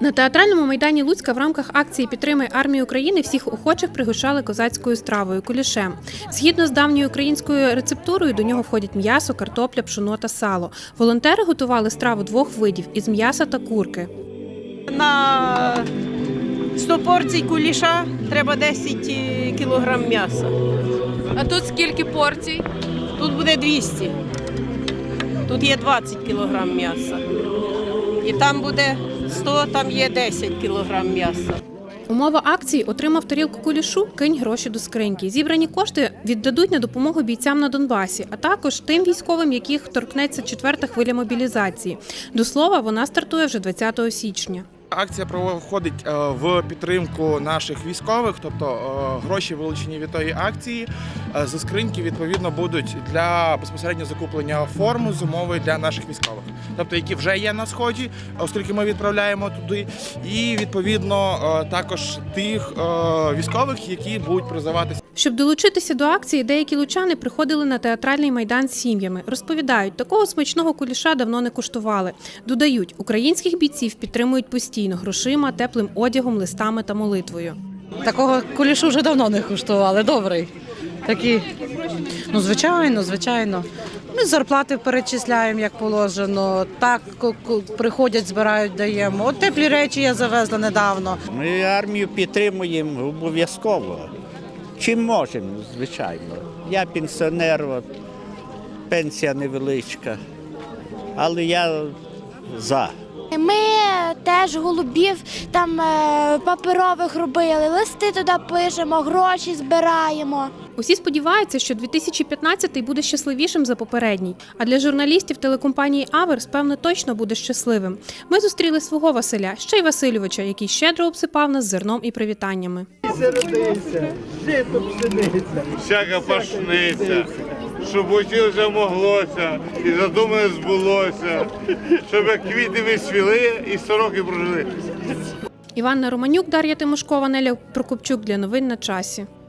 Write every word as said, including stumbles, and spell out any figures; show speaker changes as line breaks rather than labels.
На театральному майдані Луцька в рамках акції «Підтримай армію України» всіх охочих пригощали козацькою стравою – кулішем. Згідно з давньою українською рецептурою, до нього входять м'ясо, картопля, пшоно та сало. Волонтери готували страву двох видів – із м'яса та курки.
На сто порцій куліша треба десять кілограм м'яса.
А тут скільки порцій?
Тут буде двісті. Тут є двадцять кілограм м'яса. І там буде сто, там є десять кілограм м'яса.
Умова акції – отримав тарілку кулішу – кинь гроші до скриньки. Зібрані кошти віддадуть на допомогу бійцям на Донбасі, а також тим військовим, яких торкнеться четверта хвиля мобілізації. До слова, вона стартує вже двадцятого січня.
Акція проходить в підтримку наших військових, тобто гроші, вилучені від тої акції, зі скриньки, відповідно, будуть для безпосередньо закуплення форми зимової для наших військових, тобто які вже є на Сході, оскільки ми відправляємо туди, і, відповідно, також тих військових, які будуть призиватися.
Щоб долучитися до акції, деякі лучани приходили на театральний майдан з сім'ями. Розповідають, такого смачного куліша давно не куштували. Додають, українських бійців підтримують постійно грошима, теплим одягом, листами та молитвою.
Такого кулішу вже давно не куштували, добрий. Такі, ну, звичайно, звичайно. Ми зарплати перечисляємо, як положено. Так, приходять, збирають, даємо. От теплі речі я завезла недавно.
Ми армію підтримуємо обов'язково. Чим можемо, звичайно. Я пенсіонер, от, пенсія невеличка, але я за.
Ми теж голубів там паперових робили, листи туди пишемо, гроші збираємо.
Усі сподіваються, що дві тисячі п'ятнадцятий буде щасливішим за попередній. А для журналістів телекомпанії «Аверс», певно, точно буде щасливим. Ми зустріли свого Василя, ще й Васильовича, який щедро обсипав нас зерном і привітаннями.
Всяка пашниця, щоб хотілося моглося, і задумане збулося, щоб як квіти висвіли і сто років прожили.
Іванна Романюк, Дар'я Тимошкова, Неля Прокопчук для новин на часі.